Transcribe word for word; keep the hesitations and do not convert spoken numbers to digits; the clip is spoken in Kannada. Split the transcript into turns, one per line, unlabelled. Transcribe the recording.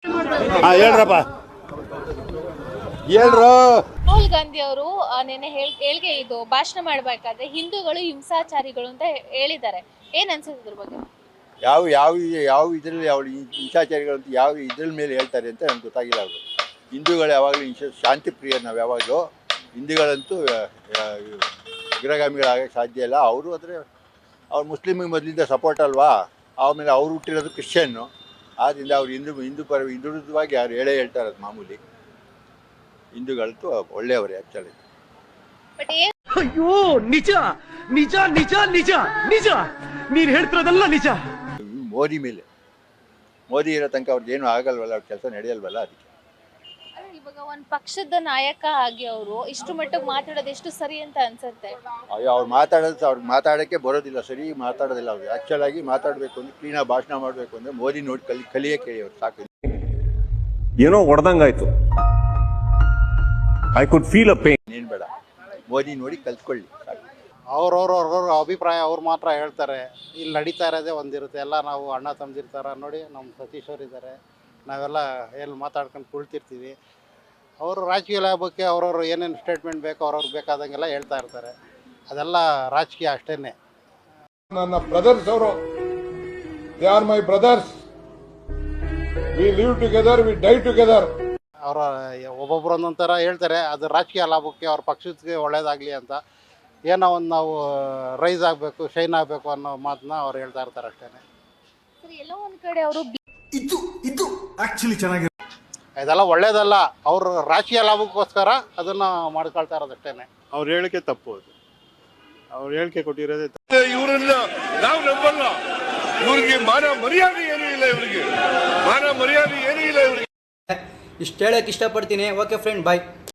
ಹೇಳ್ರಪ್ಪ ಹೇಳ್ರು.
ರಾಹುಲ್ ಗಾಂಧಿ ಅವರು ನೆನ್ನೆ ಹೇಳಿಕೆ ಇದು ಭಾಷಣ ಮಾಡಬೇಕಾದ್ರೆ ಹಿಂದೂಗಳು ಹಿಂಸಾಚಾರಿಗಳು ಅಂತ ಹೇಳಿದ್ದಾರೆ. ಏನ್ ಅನ್ಸುತ್ತೆ ಇದ್ರ ಬಗ್ಗೆ?
ಯಾವ ಯಾವ ಯಾವ ಇದರಲ್ಲಿ ಯಾವ ಹಿಂಸಾಚಾರಿಗಳು ಅಂತ ಯಾವ ಇದ್ರ ಮೇಲೆ ಹೇಳ್ತಾರೆ ಅಂತ ನನಗೆ ಗೊತ್ತಾಗಿಲ್ಲ. ಅವರು ಹಿಂದೂಗಳು ಯಾವಾಗಲೂ ಹಿಂಸೆ ಶಾಂತಿ ಪ್ರಿಯ. ನಾವು ಯಾವಾಗಲೂ ಹಿಂದೂಗಳಂತೂ ಉಗ್ರಗಾಮಿಗಳಾಗಕ್ಕೆ ಸಾಧ್ಯ ಇಲ್ಲ. ಅವರು ಆದರೆ ಅವ್ರು ಮುಸ್ಲಿಮಿಗೆ ಮೊದಲಿಂದ ಸಪೋರ್ಟ್ ಅಲ್ವಾ, ಆಮೇಲೆ ಅವ್ರು ಹುಟ್ಟಿರೋದು ಕ್ರಿಶ್ಚಿಯನ್ನು. ಆದ್ದರಿಂದ ಅವ್ರು ಹಿಂದೂ ಹಿಂದೂ ಪರ ಹಿಂದುಳಿದವಾಗಿ ಯಾರು ಹೇಳೇ ಹೇಳ್ತಾರೆ, ಅದು ಮಾಮೂಲಿ. ಹಿಂದೂಗಳಂತೂ ಒಳ್ಳೆಯವರೇ ಆ್ಯಕ್ಚುಲಿ.
ಅಯ್ಯೋ ನಿಜ ನಿಜ ನಿಜ ನಿಜ ನಿಜ ನೀನು ಹೇಳ್ತಿರೋದಲ್ಲ ನಿಜ.
ಮೋದಿ ಮೇಲೆ ಮೋದಿ ಇರೋ ತನಕ ಅವ್ರದ್ದು ಏನೂ ಆಗಲ್ವಲ್ಲ, ಅವ್ರ ಕೆಲಸ ನಡೆಯಲ್ವಲ್ಲ, ಅದಕ್ಕೆ.
ಇವಾಗ ಒಂದು ಪಕ್ಷದ ನಾಯಕ ಆಗಿ ಅವರು ಇಷ್ಟು ಮಟ್ಟಿಗೆ ಮಾತಾಡೋದು ಎಷ್ಟು ಸರಿ ಅಂತ ಅನ್ಸುತ್ತೆ?
ಅಯ್ಯೋ ಅವ್ರು ಮಾತಾಡೋದು ಅವ್ರಿಗೆ ಮಾತಾಡೋಕ್ಕೆ ಬರೋದಿಲ್ಲ, ಸರಿ ಮಾತಾಡೋದಿಲ್ಲ. ಅವ್ರು ಆ್ಯಕ್ಚುಲಾಗಿ ಮಾತಾಡಬೇಕು ಅಂದರೆ, ಕ್ಲೀನಾಗಿ ಭಾಷಣ ಮಾಡಬೇಕು ಅಂದರೆ ಮೋದಿ ನೋಡಿ ಕಲಿ ಕಲಿಯಕ್ಕೆ ಹೇಳಿ ಅವ್ರು ಸಾಕು.
ಏನೋ ಹೊಡೆದಂಗಾಯ್ತು. I could feel a pain.
ಏನು ಬೇಡ, ಮೋದಿ ನೋಡಿ ಕಲ್ತ್ಕೊಳ್ಳಿ ಸಾಕು.
ಅವ್ರವ್ರವ್ರವ್ರ ಅಭಿಪ್ರಾಯ ಅವ್ರು ಮಾತ್ರ ಹೇಳ್ತಾರೆ. ಇಲ್ಲಿ ನಡೀತಾ ಇರೋದೇ ಒಂದಿರುತ್ತೆ. ಎಲ್ಲ ನಾವು ಅಣ್ಣ ತಮ್ಮದಿರ್ತಾರ ನೋಡಿ, ನಮ್ಮ ಸತೀಶ್ ಅವ್ರು ಇದ್ದಾರೆ, ನಾವೆಲ್ಲ ಎಲ್ಲಿ ಮಾತಾಡ್ಕೊಂಡು ಕುಳ್ತಿರ್ತೀವಿ. ಅವರು ರಾಜಕೀಯ ಲಾಭಕ್ಕೆ ಅವ್ರವ್ರು ಏನೇನು ಸ್ಟೇಟ್ಮೆಂಟ್ ಬೇಕೋ ಅವ್ರವ್ರು ಬೇಕಾದಂಗೆಲ್ಲ ಹೇಳ್ತಾ ಇರ್ತಾರೆ. ಅದೆಲ್ಲ ರಾಜಕೀಯ ಅಷ್ಟೇ.
ನನ್ನ ಬ್ರದರ್ಸ್ ಅವರು, they are my brothers, we live together, we die together.
ಅವರ ಒಬ್ಬೊಬ್ರು ಒಂದೊಂಥರ ಹೇಳ್ತಾರೆ. ಅದು ರಾಜಕೀಯ ಲಾಭಕ್ಕೆ ಅವ್ರ ಪಕ್ಷಕ್ಕೆ ಒಳ್ಳೇದಾಗಲಿ ಅಂತ, ಏನೋ ಒಂದು ನಾವು ರೈಸ್ ಆಗಬೇಕು, ಶೈನ್ ಆಗಬೇಕು ಅನ್ನೋ ಮಾತನ್ನ ಅವ್ರು ಹೇಳ್ತಾ ಇರ್ತಾರೆ ಅಷ್ಟೇ.
ಎಲ್ಲೋ ಒಂದ್ ಕಡೆ ಅವರು
ಇದು ಇದು ಆಕ್ಚುಲಿ ಚೆನ್ನಾಗಿ
ಇದೆಲ್ಲ ಒಳ್ಳೇದಲ್ಲ. ಅವರು ರಾಜಕೀಯ ಲಾಭಕ್ಕೋಸ್ಕರ ಅದನ್ನು ಮಾಡ್ಕೊಳ್ತಾ ಇರೋದಷ್ಟೇ.
ಅವ್ರು ಹೇಳಿಕೆ ತಪ್ಪು, ಅದು ಅವ್ರು ಹೇಳಿಕೆ ಕೊಟ್ಟಿರೋದೇ ತಪ್ಪು.
ಇವರನ್ನ ನಾವು ನಂಬಲ್ಲ. ಇವ್ರಿಗೆ ಮಾನ ಮರ್ಯಾದೆ ಏನೂ ಇಲ್ಲ, ಇವರಿಗೆ ಮಾನ ಮರ್ಯಾದೆ ಏನೂ ಇಲ್ಲ ಇವರಿಗೆ.
ಇಷ್ಟು ಹೇಳಕ್ಕೆ ಇಷ್ಟಪಡ್ತೀನಿ. ಓಕೆ ಫ್ರೆಂಡ್, ಬಾಯ್.